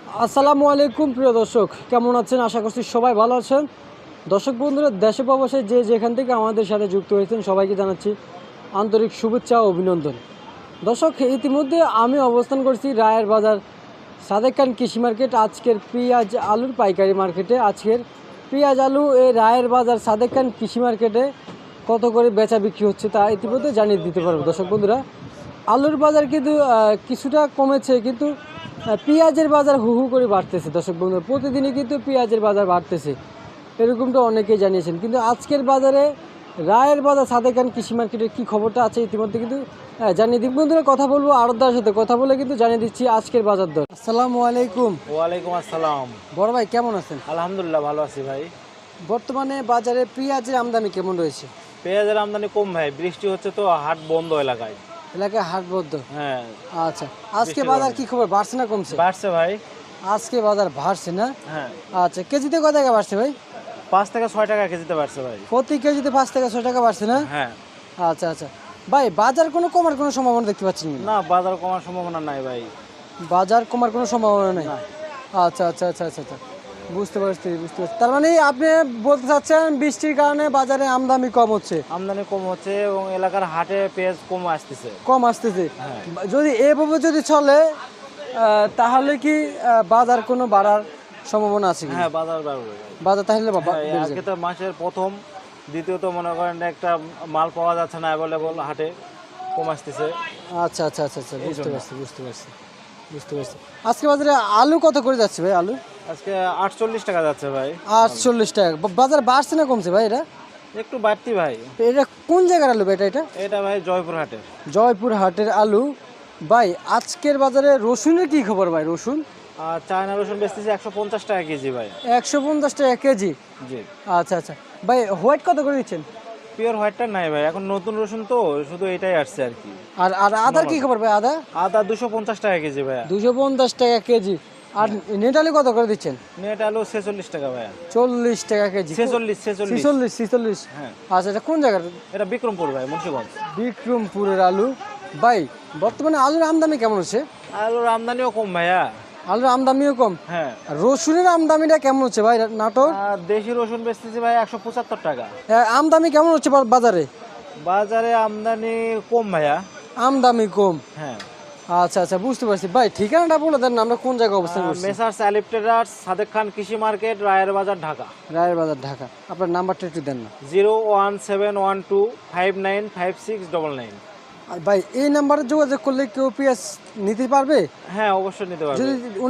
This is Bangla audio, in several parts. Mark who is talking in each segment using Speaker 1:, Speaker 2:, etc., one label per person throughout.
Speaker 1: আসসালামু আলাইকুম প্রিয় দর্শক, কেমন আছেন? আশা করছি সবাই ভালো আছেন। দর্শক বন্ধুরা, দেশে প্রবাসে যে যেখান থেকে আমাদের সাথে যুক্ত হয়েছেন সবাইকে জানাচ্ছি আন্তরিক শুভেচ্ছা ও অভিনন্দন। দর্শক, ইতিমধ্যে আমি অবস্থান করছি রায়ের বাজার সাদেক খান কৃষি মার্কেট। আজকের পেঁয়াজ আলুর পাইকারি মার্কেটে আজকের পেঁয়াজ আলু এই রায়ের বাজার সাদেক খান কৃষি মার্কেটে কত করে বেচা বিক্রি হচ্ছে তা ইতিমধ্যে জানিয়ে দিতে পারবো। দর্শক বন্ধুরা, আলুর বাজার কিন্তু কিছুটা কমেছে, কিন্তু পেঁয়াজের বাজার হু হু করে বাড়তেছে। দর্শক বন্ধুরা, প্রতিদিনই কিন্তু পেঁয়াজের বাজার বাড়তেছে, এরকমটা অনেকেই জানিয়েছেন। কিন্তু আজকের বাজারে রায়ের বাজার সাদেক খান কৃষি মার্কেটের কী খবরটা আছে ইতিমধ্যে কিন্তু জানিয়ে দিই। বন্ধুরা, কথা বলবো আড়তদারের সাথে, কথা বলে কিন্তু জানিয়ে দিচ্ছি আজকের বাজার দর। আসসালামু আলাইকুম।
Speaker 2: ওয়ালাইকুম আসসালাম।
Speaker 1: বড় ভাই, কেমন আছেন?
Speaker 2: আলহামদুলিল্লাহ, ভালো আছি ভাই।
Speaker 1: বর্তমানে বাজারে পেঁয়াজের আমদানি কেমন রয়েছে?
Speaker 2: পেঁয়াজের আমদানি কম ভাই, বৃষ্টি হচ্ছে তো হাট বন্ধ এলাকায়।
Speaker 1: এলাকায় হাট বদ্ধ?
Speaker 2: হ্যাঁ।
Speaker 1: আচ্ছা, আজকে বাজার কি খবর, বাড়ছে না কমছে?
Speaker 2: বাড়ছে ভাই।
Speaker 1: আজকে বাজার বাড়ছে না?
Speaker 2: হ্যাঁ।
Speaker 1: আচ্ছা, কেজিতে কত টাকা বাড়ছে ভাই?
Speaker 2: 5 থেকে 6 টাকা কেজিতে বাড়ছে ভাই।
Speaker 1: প্রতি কেজিতে 5 থেকে 6 টাকা বাড়ছে না?
Speaker 2: হ্যাঁ।
Speaker 1: আচ্ছা আচ্ছা ভাই, বাজার কোনো কমার কোনো সম্ভাবনা দেখতে পাচ্ছেন
Speaker 2: না, বাজার কমার সম্ভাবনা নাই ভাই।
Speaker 1: বাজার কমার কোনো সম্ভাবনা নেই? আচ্ছা আচ্ছা আচ্ছা আচ্ছা আচ্ছা, বুঝতে পারছি বুঝতে পারছি। তার মানে আপনি বলতে চাচ্ছেন বৃষ্টির কারণে বাজারে আমদানি কম হচ্ছে?
Speaker 2: আমদানি কম হচ্ছে এবং এলাকার হাটে পেঁয়াজ কম আসতেছে।
Speaker 1: কম আসতেছে?
Speaker 2: হ্যাঁ।
Speaker 1: যদি এভাবে যদি চলে তাহলে কি বাজার কোনো বাড়ার সম্ভাবনা আছে কি?
Speaker 2: হ্যাঁ, বাজার বাড়বে।
Speaker 1: বাজার তাহলে
Speaker 2: আজকে তো মাসের প্রথম, দ্বিতীয়ত মনে করেন একটা মাল পাওয়া যাচ্ছে না, অ্যাভেলেবল হাটে কম আসতেছে।
Speaker 1: আচ্ছা আচ্ছা আচ্ছা আচ্ছা, বুঝতে পারছি বুঝতে পারছি বুঝতে পারছি। আজকে বাজারে আলু কত করে যাচ্ছে ভাই? আলু
Speaker 2: আজকে 48 টাকা যাচ্ছে ভাই।
Speaker 1: 48 টাকা। বাজার বাড়ছে না কমছে ভাই? এটা
Speaker 2: একটু বাড়তি ভাই।
Speaker 1: এটা কোন জায়গার আলু ভাই? এটা
Speaker 2: এটা ভাই জয়পুর হাটের।
Speaker 1: জয়পুর হাটের আলু। ভাই, আজকের বাজারে রসুনের কি খবর ভাই? রসুন
Speaker 2: আর চায়না রসুন বেচতেছি 150 টাকা কেজি ভাই।
Speaker 1: 150 টাকা কেজি?
Speaker 2: জি।
Speaker 1: আচ্ছা আচ্ছা ভাই, হোয়াইট কত করে দিচ্ছেন?
Speaker 2: পিওর হোয়াইটটা নাই ভাই, এখন নতুন রসুন তো শুধু এটাই আসছে আর কি।
Speaker 1: আর আর আদার কি খবর ভাই? আদা
Speaker 2: আদা 250 টাকা কেজি ভাই।
Speaker 1: 250 টাকা কেজি। আর নেট আলু কত করে দিচ্ছেন?
Speaker 2: নেট আলু 46 টাকা ভাই।
Speaker 1: 40 টাকা কেজি? 46।
Speaker 2: হ্যাঁ।
Speaker 1: আচ্ছা, এটা কোন জায়গার?
Speaker 2: এটা বিক্রমপুর ভাই, মুন্সিগঞ্জ।
Speaker 1: বিক্রমপুরের আলু। ভাই, বর্তমানে আলুর আমদানি কেমন হচ্ছে?
Speaker 2: আলুর আমদানিও কম ভাইয়া।
Speaker 1: আলুর আমদানিও কম?
Speaker 2: হ্যাঁ।
Speaker 1: আর রসুনের আমদানিটা কেমন হচ্ছে ভাই? নাটোর
Speaker 2: আর দেশি রসুন বেচতেছি ভাই 175 টাকা।
Speaker 1: আমদানি কেমন হচ্ছে বাজারে?
Speaker 2: বাজারে আমদানি কম ভাইয়া।
Speaker 1: আমদানি কম?
Speaker 2: হ্যাঁ।
Speaker 1: আচ্ছা আচ্ছা, বুঝতে পারছি। ভাই, ঠিকানাটা বলে দেন না, আমরা কোন জায়গায় অবস্থান করছি?
Speaker 2: মেসার্স আলিফ ট্রেডার্স, সাদেক খান কৃষি মার্কেট, রায়ের বাজার, ঢাকা।
Speaker 1: রায়ের বাজার, ঢাকা। আপনার নাম্বারটা একটু দেন না।
Speaker 2: 01712595699।
Speaker 1: আর ভাই, এই নাম্বারে যোগাযোগ করলে কেউ পেঁয়াজ নিতে পারবে?
Speaker 2: হ্যাঁ, অবশ্যই নিতে পারবে।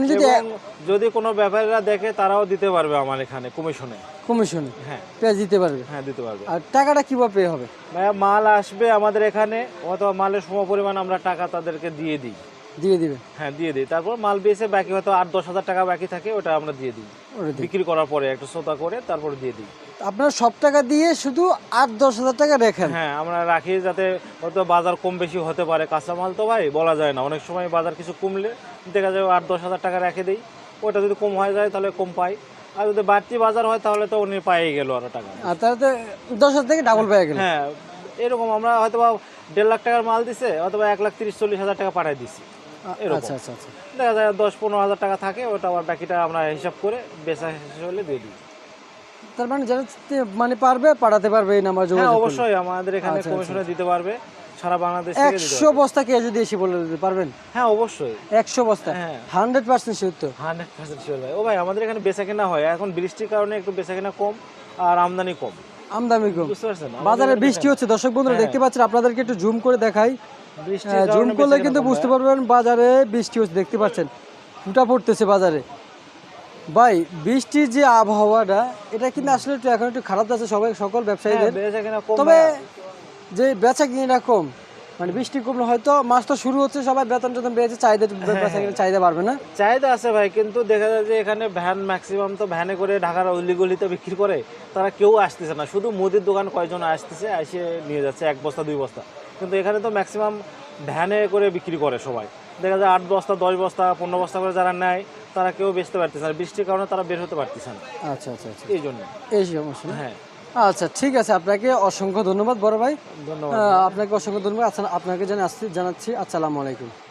Speaker 2: যদি কোনো ব্যাপারীরা দেখে তারাও দিতে পারবে আমার এখানে কমিশনে।
Speaker 1: হ্যাঁ, পেঁয়াজ দিতে পারবে?
Speaker 2: হ্যাঁ, দিতে পারবে।
Speaker 1: আর টাকাটা কিভাবে পে হবে
Speaker 2: ভাইয়া? মাল আসবে আমাদের এখানে, অথবা মালের সমপরিমাণ আমরা টাকা তাদেরকে দিয়ে দিই।
Speaker 1: দিয়ে দিবে?
Speaker 2: হ্যাঁ, দিয়ে দিই। তারপর মাল বেচে বাকি হয়তো 8-10 হাজার টাকা বাকি থাকে, ওটা আমরা দিয়ে দিই। বিক্রি করার পরে একটু সোতা করে তারপর দিয়ে দিই।
Speaker 1: আপনার সব টাকা দিয়ে শুধু 8-10 হাজার টাকা রাখেন?
Speaker 2: হ্যাঁ, আমরা রাখি যাতে হয়তো বাজার কম বেশি হতে পারে। কাঁচামাল তো ভাই বলা যায় না, অনেক সময় বাজার কিছু কমলে দেখা যায় 8-10 হাজার টাকা রেখে দিই। ওটা যদি কম হয়ে যায় তাহলে কম পাই, আর যদি বাড়তি বাজার হয় তাহলে তো উনি পাই গেল আরো টাকা।
Speaker 1: আর তাহলে তো 10,000 থেকে ডাবল পেয়ে গেল।
Speaker 2: হ্যাঁ, এরকম আমরা হয়তো 1.5 লাখ টাকার মাল দিছে, অথবা 1,30,40,000 টাকা পাঠাই দিছি।
Speaker 1: আচ্ছা আচ্ছা আচ্ছা,
Speaker 2: দেখা যায় 10-15 হাজার টাকা থাকে, ওটা আবার বাকিটা আমরা হিসাব করে বেচা শেষ হলে দিয়ে দিই।
Speaker 1: তার মানে যারা মানে পারবে পাঠাতে পারবে এই নাম্বার যোগাযোগ?
Speaker 2: হ্যাঁ, অবশ্যই আমাদের এখানে কমিশনে দিতে পারবে, সারা বাংলাদেশ থেকে দিতে পারবে।
Speaker 1: 100 বস্তা কে যদি এসে বলে দিতে পারবেন?
Speaker 2: হ্যাঁ, অবশ্যই
Speaker 1: 100 বস্তা?
Speaker 2: হ্যাঁ,
Speaker 1: 100% শিওর তো?
Speaker 2: 100% শিওর ভাই। ও ভাই, আমাদের এখানে বেচা কেনা হয়, এখন বৃষ্টির কারণে একটু বেচা কেনা কম আর আমদানি কম।
Speaker 1: আমদানি কম?
Speaker 2: বুঝতে পারছেন?
Speaker 1: বাজারে বৃষ্টি হচ্ছে দর্শক বন্ধুরা, দেখতে পাচ্ছেন। আপনাদেরকে একটু জুম করে দেখাই, জুম করলে কিন্তু বুঝতে পারবেন বাজারে বৃষ্টি হচ্ছে। দেখতে পাচ্ছেন ফুটা পড়তেছে বাজারে। ভাই, বৃষ্টির যে আবহাওয়াটা, এটা কিন্তু আসলে একটু এখন একটু খারাপ যাচ্ছে সকল ব্যবসায়ীদের। তবে যে বেচা কিনা কম, মানে বৃষ্টি কমলে হয়তো মাস তো শুরু হচ্ছে, সবাই বেতন টেতন পেয়েছে, চাহিদা বাড়বে না?
Speaker 2: চাহিদা আছে ভাই, কিন্তু দেখা যায় যে এখানে ভ্যান ম্যাক্সিমাম তো ভ্যানে করে ঢাকার অলিগলিতে বিক্রি করে, তারা কেউ আসতেছে না। শুধু মুদির দোকান কয়জন আসতেছে, এসে নিয়ে যাচ্ছে 1 বস্তা 2 বস্তা। কিন্তু এখানে তো ম্যাক্সিমাম ভ্যানে করে বিক্রি করে সবাই। দেখা যায় 8 বস্তা 10 বস্তা 15 বস্তা করে যারা নেয়, তারা কেউ বেচতে পারতেছে না, বৃষ্টির কারণে তারা বের হতে পারতেছে না।
Speaker 1: আচ্ছা আচ্ছা আচ্ছা,
Speaker 2: এই জন্য
Speaker 1: এই সমস্যা।
Speaker 2: হ্যাঁ,
Speaker 1: আচ্ছা, ঠিক আছে। আপনাকে অসংখ্য ধন্যবাদ বড় ভাই।
Speaker 2: ধন্যবাদ।
Speaker 1: আপনাকে অসংখ্য ধন্যবাদ। আচ্ছা, আপনাকে জানাচ্ছি আসসালামু আলাইকুম।